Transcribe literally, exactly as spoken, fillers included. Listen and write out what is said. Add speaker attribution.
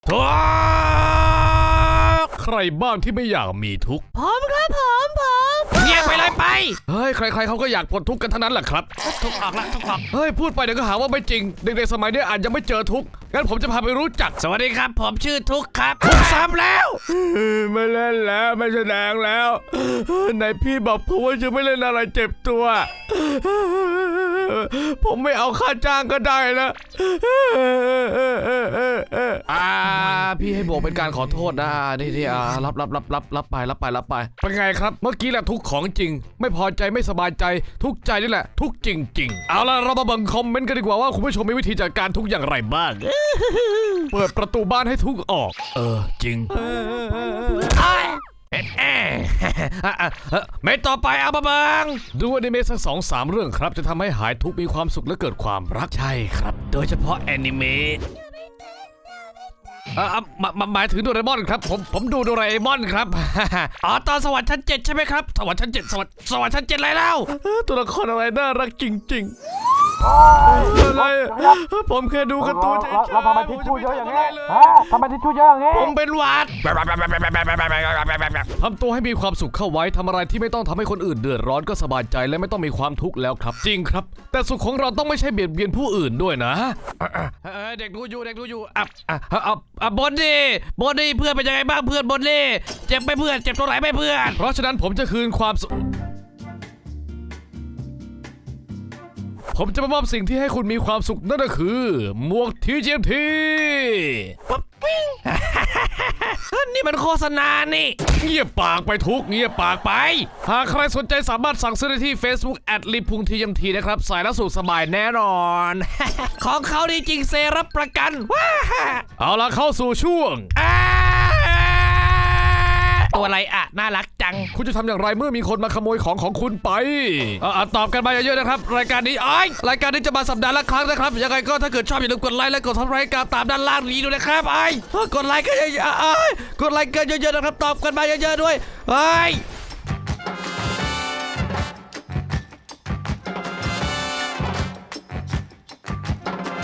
Speaker 1: ใครบ้างที่ไม่อยากมีทุกข์
Speaker 2: ผมครับผมผม
Speaker 3: เงียบไปเลยไป
Speaker 1: เฮ้ยใครๆเขาก็อยากปลดทุกข์กันทั้งนั้นแหละครับ
Speaker 3: ทุกออกละทุกออก
Speaker 1: เฮ้ยพูดไปเดี๋ยวก็หาว่าไม่จริงเด็กๆสมัยนี้อาจจะไม่เจอทุกข์งั้นผมจะพาไปรู้จัก
Speaker 3: สวัสดีครับผมชื่อทุกครับทุกซ้ำแล้ว
Speaker 1: ไม่เล่นแล้วไม่แสดงแล้วไหนพี่บอกผมว่าจะไม่เล่นอะไรเจ็บตัวผมไม่เอาค่าจ้างก็ได้นะอ่าพี่ให้โบกเป็นการขอโทษนะนี่ที่อ่ารับรับรับรับรับไปรับไปรับไปเป็นไงครับเมื่อกี้แหละทุกของจริงไม่พอใจไม่สบายใจทุกใจนี่แหละทุกจริงๆเอาล่ะเรามาบังคอมเมนต์กันดีกว่าว่าคุณผู้ชมมีวิธีจัดการทุกอย่างไรบ้างเปิดประตูบ้านให้ทุกออกเออจริงไม่ต่อไปเอามาบังดูอนิเมะสักสองสามเรื่องครับจะทำให้หายทุกข์มีความสุขและเกิดความรักใช่ครับโดยเฉพาะแอนิเมะอ่าหมายถึงโดราเอมอนครับผมผมดูโดราเอมอนครับ
Speaker 3: อ๋อตอนสวรรค์ชั้นเจ็ดใช่ไหมครับสวรรค์ชั้นเจ็ดสวรรค์สวรรค์ชั้นเจ็ดอะไรแล้ว
Speaker 1: ตัวละครอะไรน่ารักจริงๆอะไรผมแค่ดูการ์ตูนเฉยๆ
Speaker 4: เราทำไมทิชชู่เยอะอย่างนี้ฮะทำไมทิชชู่เยอะอย่างนี้
Speaker 1: ผมเป็นหวัดทำตัวให้มีความสุขเข้าไว้ทำอะไรที่ไม่ต้องทำให้คนอื่นเดือดร้อนก็สบายใจและไม่ต้องมีความทุกข์แล้วครับจริงครับแต่สุขของเราต้องไม่ใช่เบียดเบียนผู้อื่นด้วยนะ
Speaker 3: เด็กดูอยู่เด็กดูอยู่อ่ะอ่ะอ่ะอ่ะบนดิบนดิเพื่อนเป็นยังไงบ้างเพื่อนบนดิเจ็บไหมเพื่อนเจ็บตรงไหนไหมเพื่อน
Speaker 1: เพราะฉะนั้นผมจะคืนความสุขผมจะมามอบสิ่งที่ให้คุณมีความสุขนั่นก็คือหมวก ที จี เอ็ม ที
Speaker 3: ปั๊บปิ้งนี่มันโฆษณานี่
Speaker 1: เงียบปากไปทุกเงียบปากไปหากใครสนใจสามารถสั่งซื้อได้ที่ Facebook แอด ลิพุง ที เอ็ม ที นะครับใส่แล้วสุขสบายแน่นอน
Speaker 3: ของเขาดีจริงเซรับประกันว้า
Speaker 1: เอาล่ะเข้าสู่ช่วง
Speaker 3: ตัวอะไรอ่ะน่ารักจัง
Speaker 1: คุณจะทำอย่างไรเมื่อมีคนมาขโมยของของคุณไปอ่ะตอบกันมาเยอะๆนะครับรายการนี้อ้อยรายการนี้จะมาสัปดาห์ละครั้งนะครับยังไงก็ถ้าเกิดชอบอย่าลืมกดไลค์และกดซับสไครบ์ตามด้านล่างนี้ด้วยนะครับไอ้กดไลค์กันเยอะๆกดไลค์กันเยอะๆนะครับตอบกันมาเยอะๆด้วยไอ้